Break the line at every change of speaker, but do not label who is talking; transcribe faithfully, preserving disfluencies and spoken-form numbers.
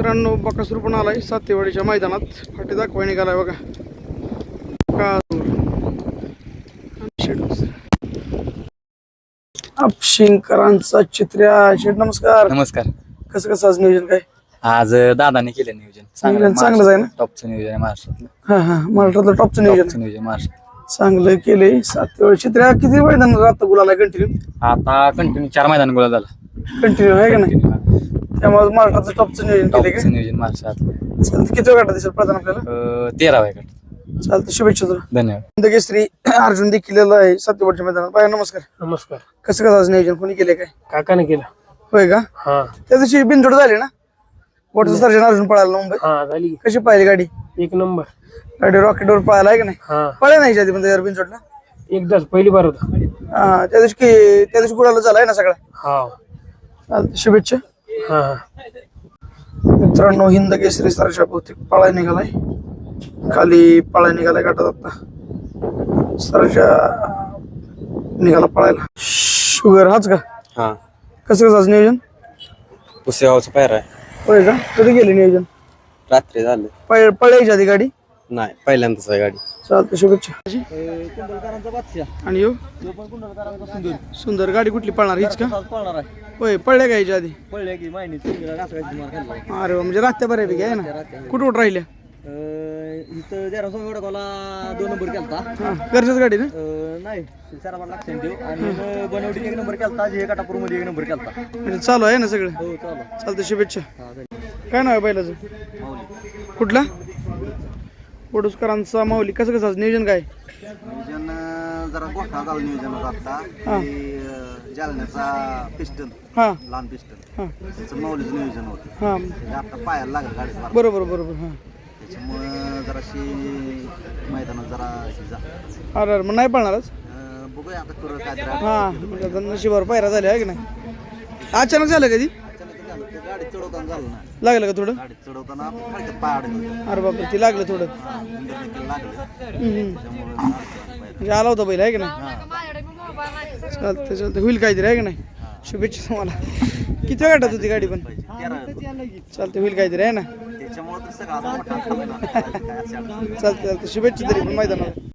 मित्रांनो बकासूर पण आलाय सातेवाडीच्या मैदानात. फाटी दाखवाय निघालाय बघा. अपशिंकरांचा चित्र्या शेठ नमस्कार.
नमस्कार.
कसं कसं आज नियोजन काय?
आज दादाने केलं नियोजन.
नियोजन चांगलंच आहे ना?
टॉपचं नियोजन आहे महाराष्ट्रातलं.
हा हा महाराष्ट्रातलं टॉपचं नियोजन
टॉपचं नियोजन महाराष्ट्रात.
चांगलं केलंय. सातेवाडी चित्र्या किती मैदान आता गुलाला कंटिन्यू
आता कंटिन्यू चार मैदान गोळा झाला.
कंटिन्यू आहे का नाही? त्यामुळे महाराष्ट्रातलं टॉपचं नियोजन केलंय
टॉपचं नियोजन महाराष्ट्रात.
चालतं. किती वेळ दिसेल प्रधान आपल्याला?
तेरावा आहे.
चालतं. शुभेच्छा तुला.
धन्यवाद.
केसरी अर्जुन देखील आहे सातेवाडीच्या मैदानात. बाय नमस्कार.
नमस्कार.
कसं कसं आज नियोजन कोणी केलंय काय?
काकाने केलं.
होय का?
हा
त्या दिवशी बिनजोड झाली ना? वॉटर सर्जन अर्जुन पळाला मुंबई.
हा झाली.
कशी पाहिली गाडी?
एक नंबर.
गाडी रॉकेटवर पळाला आहे का नाही?
हा
पळाय नाही आधी पण बिनजोडला.
एकदाच पहिली बार होता.
हा त्या दिवशी की- त्या दिवशी गुलाला झालाय ना सगळा.
हा
चालतं. शुभेच्छा.
हा हा
मित्रांनो हिंद केसरी सरच्या बहुतेक पळाय निघालाय. खाली पळाय निघालाय गाठात आता. सरच्या निघाला पळायला. शुगर हाच का?
हा
कसं कसं आज नियोजन?
पुसेगावचं पायरा आहे.
होय का? कधी गेले नियोजन?
रात्री झालं.
पळ पळायची आधी गाडी?
नाही पहिल्यांदाच आहे गाडी.
चालतं. शुभेच्छा. आणि यो सुंदर गाडी कुठली पळणार हीच का? होय पळल्या का याच्या आधी? अरे वा, म्हणजे राहत्या बऱ्यापैकी आहे ना? कुठं कुठं राहिल्या?
इथं जरा सोमेवडा दोन नंबर केलता.
हा घरच्याच गाडी ना?
नाही सराबाद लक्षात देऊ. आणि बनवडीत एक नंबर केलता. जे काटापूर मध्ये एक नंबर केलता.
म्हणजे चालू आहे ना सगळं?
हो चालू.
चालतं. शुभेच्छा. काय नाव आहे बैलाचं? कुठला? वडूसकरांचा माऊली. कसं कसं आज नियोजन काय?
नियोजन जरा गोठा झालं नियोजन होतं आता.
हा.
ते जालन्याचा पिस्टन,
हा
लहान पिस्टन,
हा
त्याचं माऊलीचं नियोजन होतं.
हा
ते आता पायाला लागलं गाडीचं मार्ग.
बरोबर बरोबर. हा
त्याच्यामुळं जराशी मैदानात जरा अशी जा
अरे अरे मग नाही पळणारच.
अं, बघूया आता करू काय तरी.
हा म्हणजे आता नशिबावर पायरा झाले आहे की नाही? अचानक झालं कधी?
अचानक झालं ते गाडी चढवताना झालं ना.
लागलं का थोडं?
गाडी चढवताना फडक्यात पाय अडकलं.
अरे बापरे ते लागलं थोडं.
लागलं
हम्म, हम्म.
त्यामुळं
म्हणजे आला होता बैल आहे की नाही? चालतं चालतं. होईल काहीतरी आहे की नाही? शुभेच्छा तुम्हाला. किती वेळ गाठात होती गाडी पण? चालतं होईल काहीतरी आहे ना?
त्याच्यामुळे तर सगळं आता मोठा झाला ना. काय असेल.
चालतं चालतं. शुभेच्छा तरी पण मैदानाला.